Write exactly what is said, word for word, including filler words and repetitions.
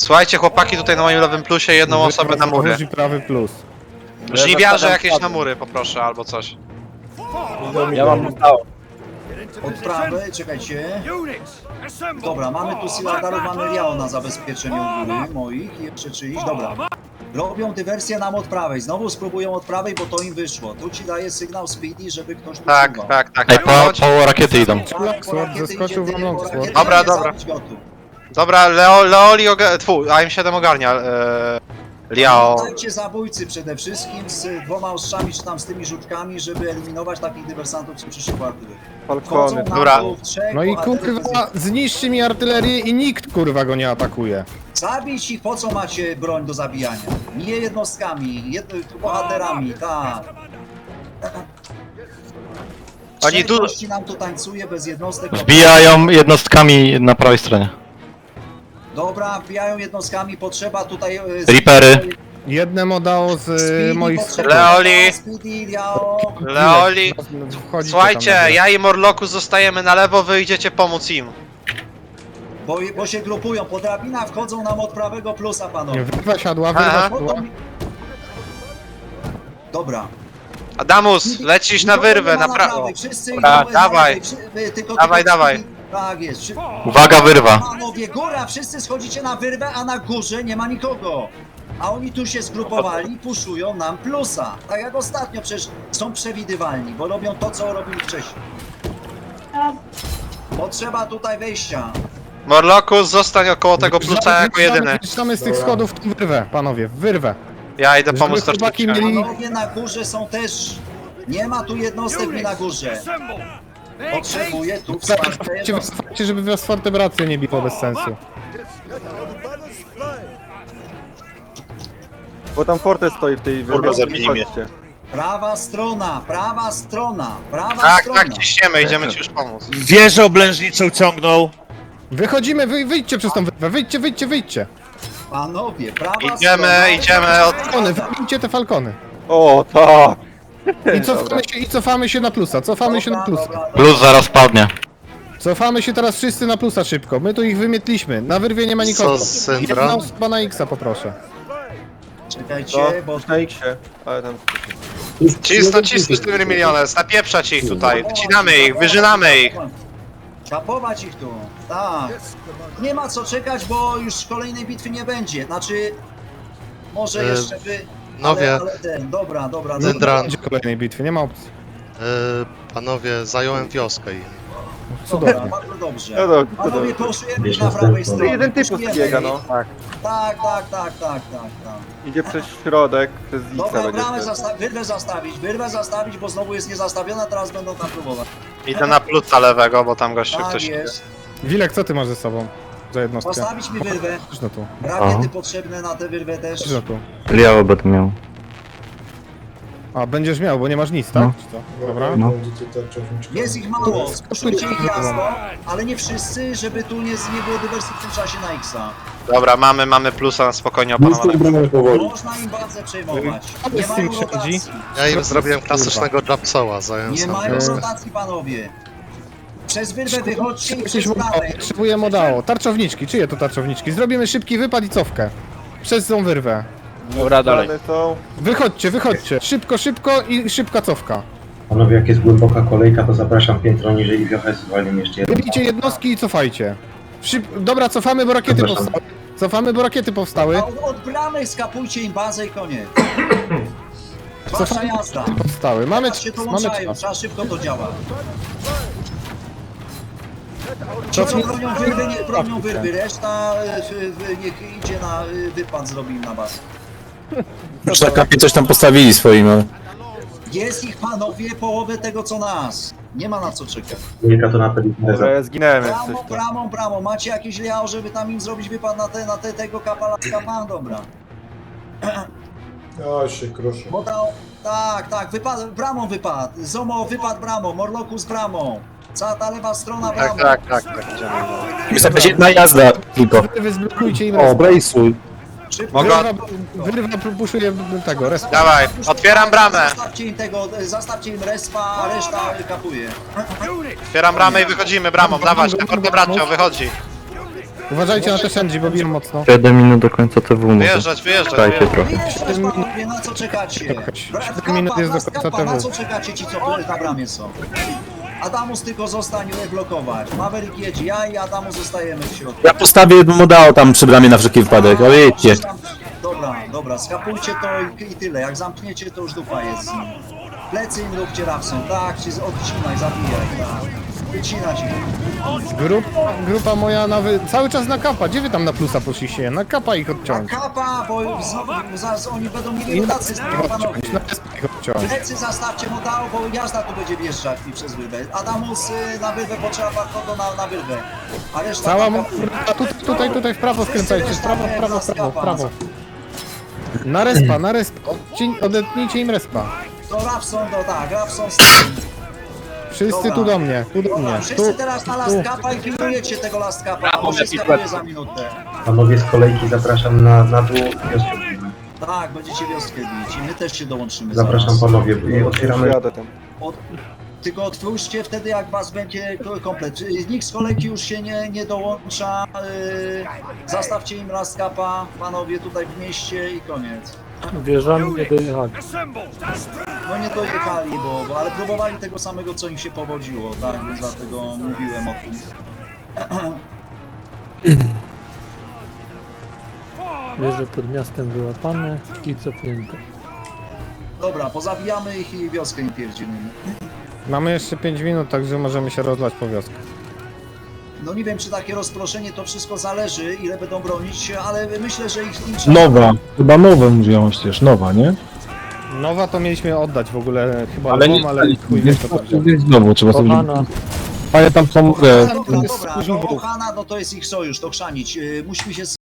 Słuchajcie, chłopaki, tutaj na moim lewym plusie jedną osobę na mury. Duży prawy plus. Żniwiarze jakieś na mury poproszę, albo coś. Ja mam stało. Odprawy, czekajcie. Dobra, mamy tu Siladarów, mamy Riao na zabezpieczeniu u góry moich i jeszcze czyjś. Dobra. Robią dywersję nam od prawej. Znowu spróbują od prawej, bo to im wyszło. Tu ci daje sygnał Speedy, żeby ktoś tu Tak, czuwał. tak, tak. Ej, tak. po, Chodź. po rakiety idą. Tak, po Longsword, rakiety zeskoczył idzie, wam po Longsword. rakiety Dobra, idzie, dobra. zabić go tu. Dobra, Leo, Leoli oga... Tfu, A M siedem ogarnia. E... Liao. Dajcie zabójcy przede wszystkim z dwoma ostrzami, czy tam z tymi rzutkami, żeby eliminować takich dywersantów, co przyszły kwarty. Falcony. Dobra. No No i kurwa, zniszczy mi artylerię i nikt kurwa go nie atakuje. Zabić ich, po co macie broń do zabijania? Nie jednostkami, jed... bohaterami, tak. Oni tu- Trzech nam tu tańcuje bez jednostek. Wbijają jednostkami na prawej stronie. Dobra, wbijają jednostkami, potrzeba tutaj... e, Reapery. Jedne modało z Speedy, y, moich potrzeba- Leoli. Speedy, Liao. Leoli. Wchodzicie Słuchajcie, tam, ja i Morloku zostajemy na lewo, wy idziecie pomóc im. Bo, bo się grupują, po drabinach wchodzą nam od prawego plusa, Nie, panowie. wyrwa siadła, wyrwa Aha. siadła. Dobra. Adamus, lecisz na wyrwę, na pra... prawej, wszyscy idą Dobra, na dawaj. lewej, wszy- wy- tylko, Dawaj, tylko dawaj. Speedy- Tak jest. Wszy- Uwaga, wyrwa. Panowie, góra, wszyscy schodzicie na wyrwę, a na górze nie ma nikogo. A oni tu się zgrupowali i puszują nam plusa. Tak jak ostatnio, przecież są przewidywalni, bo robią to, co robili wcześniej. Potrzeba tutaj wejścia. Morloku, zostań około tego plusa jako jedyny. Wyszczamy z tych schodów w tą wyrwę, panowie, w wyrwę. Ja idę Żeby pomóc chłopaki troszeczkę. mieli- Panowie na górze są też... Nie ma tu jednostek mi na górze. Potrzebuję tu wsparcia Wycofajcie, jednostek. wycofajcie, żeby was fortebrację nie biło bez sensu. Bo tam Forte stoi w tej Kurwa, wyrwie. zabili mnie. Chodźcie. Prawa strona, prawa strona, prawa Tak, strona. tak, ciśniemy, idziemy ci już pomóc. Wieżę oblężniczą ciągnął. Wychodzimy, wy, wyjdźcie przez tą wyrwę, wyjdźcie, wyjdźcie, wyjdźcie. Panowie, prawa Idziemy, strona. idziemy od... Falkony, wyjdźcie te falkony. O, tak! I cofamy się, i cofamy się na plusa, cofamy się na Dobra, plusa. dobra, dobra. Plus zaraz padnie. Cofamy się teraz wszyscy na plusa szybko, my tu ich wymietliśmy, na wyrwie nie ma nikogo. Co z syndrom? Jedna osoba na X-a poproszę. Czekajcie, To, bo... na X-ie. Ale tam... Cisno, cisno cztery miliony, napieprzać ich tutaj, wcinamy ich, wyżynamy ich. Kapować ich tu, tak. Nie ma co czekać, bo już kolejnej bitwy nie będzie. Znaczy, może E, jeszcze by... nowie. Ale, ale ten, dobra, dobra, Syndra- dobra. Będzie kolejnej bitwy, nie ma opcji. E, panowie, zająłem wioskę i Dobra, Cudownie. bardzo dobrze. No dobrze, to Panowie, dobrze. poszujemy ich na prawej To stronie. jeden typus Puszujemy biega, ich. no. Tak. Tak, tak, tak, tak, tak, tak. Idzie przez środek, przez X-a Dobra, będzie. bramę szedł. zasta wyrwę zastawić, wyrwę zastawić, bo znowu jest niezastawiona, teraz będą tam próbować. Idę na plusa lewego, bo tam gościu Tak ktoś... jest. Wilek, co ty masz ze sobą? Za jednostkę? Postawić mi wyrwę. Chodź no tu, Rakiety potrzebne na tę wyrwę też. chodź no tu. Liało będę miał. A, będziesz miał, bo nie masz nic, tak? No. Czy co? Dobra. No. Jest ich mało, spuszczujcie ich jasno, ale nie wszyscy, żeby tu nie, nie było dywersji w tym czasie na X-a. Dobra, mamy, mamy plusa, spokojnie opanowane. Można im bardzo przejmować. Ale Nie z tym mają siedzi. rotacji. ja im zrobiłem klasycznego Japsoła, zająłem Nie sam mają wioskę. rotacji, panowie. Przez wyrwę wychodźcie i Coś przez modało, prawej. potrzebuję modało. Tarczowniczki, czyje to tarczowniczki? Zrobimy szybki wypad i cofkę. Przez tą wyrwę. Dobra, dalej. Plany są. Wychodźcie, wychodźcie. Szybko, szybko i szybka cofka. Panowie, jak jest głęboka kolejka, to zapraszam piętro niżej i wiochę zwalniam jeszcze jedną. Wybijcie jednostki i cofajcie. Szyb... Dobra, cofamy, bo rakiety Zapraszam. powstały. Cofamy, bo rakiety powstały. A od, od bramy skapujcie im bazę i koniec. Wasza Cofamy, jazda. rakiety powstały. Mamy Teraz się czas, mamy dołączają, czas. trzeba szybko to działa. Ci, co bronią wyrwy, nie bronią wyrwy, reszta e, w- w- niech idzie na e, wypad, zrobi im na bazę. Już na kapie coś tam postawili swoim, ale... Jest ich, panowie, połowę tego co nas. Nie ma na co czekać. Kolejka to na pewno. Dobra, ja zginąłem jak Bramą, coś tam. bramą, bramą. Macie jakieś liao, żeby tam im zrobić wypad na, te, na te, tego kapala? Kapan, dobra. O, się kruszy. Bo ta, tak, tak, wypad, bramą wypad. Zomo, wypad bramą, Morloku z bramą. Cała ta lewa strona bramą. Tak, tak, tak, tak, idziemy. Wystarczy jedna jazda tylko. Wyrwy zblokujcie im O, respa. brejsuj. Szybko. Mogę... Wyrwa, wyrwa puszuje tego, respa. Dawaj, otwieram bramę. Zastawcie im tego, zastawcie im respa, a reszta kapuje. Otwieram bramę i wychodzimy bramą, dawać, te forte bracio, wychodzi. Uważajcie na te sędzi, bo biją mocno. siedem minut do końca T W. Wyjeżdżać, wyjeżdżać, Dajcie wyjeżdżać. trochę. Wyjeżdżać panowie, na co czekacie? siedem minut jest do końca Kapa, na T W. co czekacie ci, co na bramie są? Adamus tylko zostań blokować. Maverick jedzie, ja i Adamus zostajemy w środku. Ja postawię modao tam przy bramie na wszelki wypadek, A, ojejdźcie. możesz tam- Dobra, dobra, skapujcie to i, i tyle. Jak zamkniecie, to już dupa jest z nim. Plecy im róbcie rapsą, tak, się odcinaj, zabijaj, tak. Wycinać ich. Grupa, grupa moja na wy... cały czas na kapa. Gdzie wy tam na plusa poszliście? Na kapa ich A odciąć. kapa, bo z, zaraz oni będą I mieli na rotację z ich nami, panowie. odciąć. Na ich odciąć. Plecy zastawcie mu dał, bo jazda tu będzie wjeżdżać i przez wyrwę. Adamus y, na wyrwę potrzeba bardzo na, na wyrwę. A reszta Cała taka- mu... tutaj, tutaj, tutaj w prawo skręcajcie. W prawo, w prawo, w prawo, w prawo. Na respa, na respa. Odciń, odetnijcie im respa. To Rapson, to tak, Rapson. Wszyscy Dobra. tu do mnie, tu do Dobra, mnie. wszyscy Tu, teraz na tu. last capa i pilnujecie tego last capa, bo się skapuje za minutę. Panowie z kolejki zapraszam na, na dół wioskę. Tak, będziecie wioskę bić i my też się dołączymy Zapraszam zaraz. panowie i otwieramy. Jadę tam. Od, tylko otwórzcie wtedy, jak was będzie ko- komplet. Nikt z kolejki już się nie, nie dołącza. Yy, zastawcie im last capa, panowie tutaj w mieście i koniec. Wjeżdżamy, nie dojechali. No nie dojechali, bo, bo ale próbowali tego samego, co im się powodziło, tak? Więc dlatego mówiłem o tym. Wieże pod miastem wyłapane i cofnięte. Dobra, pozabijamy ich i wioskę im pierdzimy. Mamy jeszcze pięć minut, także możemy się rozlać po wioskę. No nie wiem, czy takie rozproszenie to wszystko zależy, ile będą bronić, ale myślę, że ich im trzeba... Nowa, chyba nowe mówiłaś też, nowa, nie? Nowa to mieliśmy oddać w ogóle chyba Ale dwóm, nie, ale chuj wie więc kto tam wziął. znowu trzeba sobie... Kochana, Ale tam są... E, Dobra, jest dobra, dużo no wrogów. Ohana, no to jest ich sojusz, to chrzanić. Yy, musimy się